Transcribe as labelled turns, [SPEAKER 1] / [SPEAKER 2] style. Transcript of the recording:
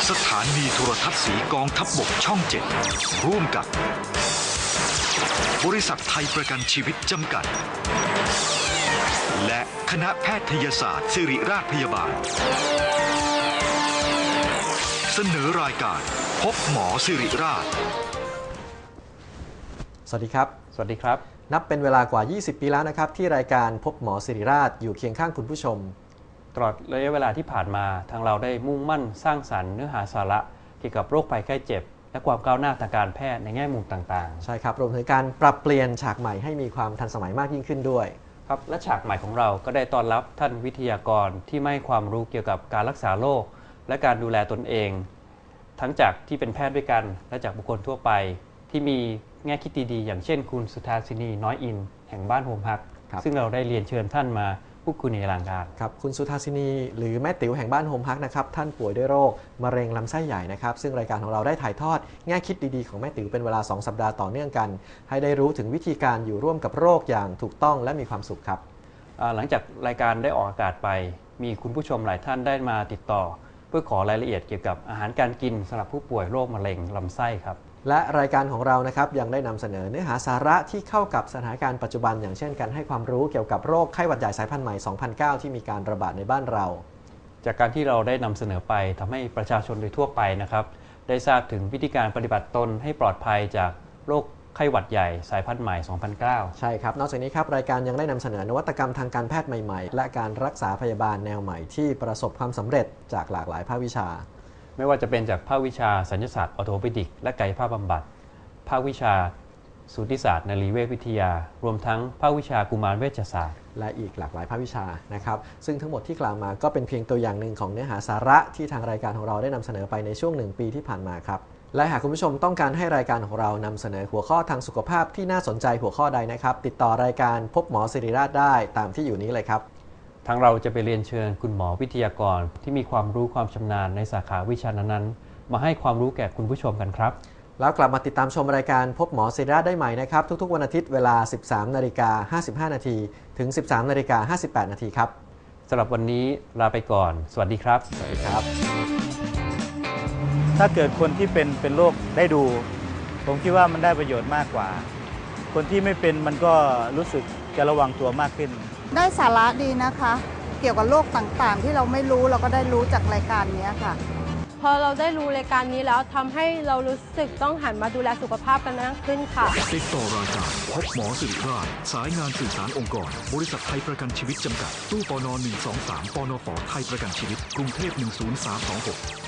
[SPEAKER 1] สถานีโทรทัศน์สีกองทัพบกช่อง 7 ร่วมกับบริษัทไทยประกันชีวิตจำกัดและคณะแพทยศาสตร์ศิริราชพยาบาลเสนอรายการพบหมอศิริราช
[SPEAKER 2] สวัสดีครับ
[SPEAKER 3] สวัสดีครับ
[SPEAKER 2] นับเป็นเวลากว่า 20 ปีแล้วนะครับที่รายการพบหมอศิริราชอยู่เคียงข้างคุณผู้ชม
[SPEAKER 3] ตลอดระยะเวลาที่ผ่านมาทางเราได้มุ่งมั่นสร้างสรรค์เนื้อหาสาระเกี่ยวกับโรคภัยไข้เจ็บและความก้าวหน้าทางการแพทย์ในแง่มุมต่าง
[SPEAKER 2] ๆใช่ครับรวมถึงการปรับเปลี่ยนฉากใหม่ให้มีความทันสมัยมากยิ่งขึ้นด้วย
[SPEAKER 3] ครับและฉากใหม่ของเราก็ได้ต้อนรับท่านวิทยากรที่ให้ความรู้เกี่ยวกับการรักษาโรคและการดูแลตนเองทั้งจากที่เป็นแพทย์ด้วยกันและจากบุคคลทั่วไปที่มีแง่คิดดีๆอย่างเช่นคุณสุธาสินีน้อยอินแห่งบ้านโฮมฮักซึ่งเราได้เรียนเชิญท่านมาพูดคุยในรายการ
[SPEAKER 2] ครับคุณสุธาสินีหรือแม่ติ๋วแห่งบ้านโฮมฮักนะครับท่านป่วยด้วยโรคมะเร็งลำไส้ใหญ่นะครับซึ่งรายการของเราได้ถ่ายทอดแง่คิดดีๆของแม่ติ๋วเป็นเวลา2 สัปดาห์ต่อเนื่องกันให้ได้รู้ถึงวิธีการอยู่ร่วมกับโรคอย่างถูกต้องและมีความสุขครับ
[SPEAKER 3] หลังจากรายการได้ออกอากาศไปมีคุณผู้ชมหลายท่านได้มาติดต่อเพื่อขอรายละเอียดเกี่ยวกับอาหารการกินสำหรับผู้ป่วยโรคมะเร็งลำไส้ครับ
[SPEAKER 2] และรายการของเรานะครับยังได้นำเสนอเนื้อหาสาระที่เข้ากับสถานการณ์ปัจจุบันอย่างเช่นการให้ความรู้เกี่ยวกับโรคไข้หวัดใหญ่สายพันธุ์ใหม่ 2009 ที่มีการระบาดในบ้านเรา
[SPEAKER 3] จากการที่เราได้นำเสนอไปทำให้ประชาชนโดยทั่วไปนะครับได้ทราบถึงวิธีการปฏิบัติตนให้ปลอดภัยจากโรคไข้หวัดใหญ่สายพันธุ์ใหม่ 2009
[SPEAKER 2] ใช่ครับนอกจากนี้ครับรายการยังได้นำเสนอนวัตกรรมทางการแพทย์ใหม่ๆและการรักษาพยาบาลแนวใหม่ที่ประสบความสำเร็จจากหลากหลายภาควิชา
[SPEAKER 3] ไม่ว่าจะเป็นจากภาควิชาศัลยศาสตร์ออร์โธเปดิกและกายภาพบำบัดภาควิชาสูติศาสตร์นรีเวชวิทยารวมทั้งภาควิชากุมารเวชศาสตร์
[SPEAKER 2] และอีกหลากหลายภาควิชานะครับซึ่งทั้งหมดที่กล่าวมาก็เป็นเพียงตัวอย่างหนึ่งของเนื้อหาสาระที่ทางรายการของเราได้นำเสนอไปในช่วง1 ปีที่ผ่านมาครับและหากคุณผู้ชมต้องการให้รายการของเรานำเสนอหัวข้อทางสุขภาพที่น่าสนใจหัวข้อใดนะครับติดต่อรายการพบหมอศิริราชได้ตามที่อยู่นี้เลยครับ
[SPEAKER 3] ทางเราจะไปเรียนเชิญคุณหมอวิทยากรที่มีความรู้ความชำนาญในสาขาวิชานั้นๆมาให้ความรู้แก่คุณผู้ชมกันครับ
[SPEAKER 2] แล้วกลับมาติดตามชมรายการพบหมอศิริราชได้ใหม่นะครับทุกๆวันอาทิตย์เวลา 13:55 น.ถึง 13:58 น.ครับ
[SPEAKER 3] สำหรับวันนี้ลาไปก่อนสวัสดีครับ
[SPEAKER 2] สวัสดีครับ
[SPEAKER 4] ถ้าเกิดคนที่เป็นโรคได้ดูผมคิดว่ามันได้ประโยชน์มากกว่าคนที่ไม่เป็นมันก็รู้สึกจะระวังตัวมากขึ้น
[SPEAKER 5] ได้สาระดีนะคะเกี่ยวกับโรคต่างๆที่เราไม่รู้เราก็ได้รู้จากรายการนี้ค่ะ
[SPEAKER 6] พอเราได้รู้รายการนี้แล้วทำให้เรารู้สึกต้องหันมาดูแลสุขภาพกันมากขึ้นค่ะ
[SPEAKER 1] ติดต่อรายการพบหมอศิริราชสายงานสื่อสารองค์กรบริษัทไทยประกันชีวิตจำกัดตู้ปน123ปนฝไทยประกันชีวิตกรุงเทพ10326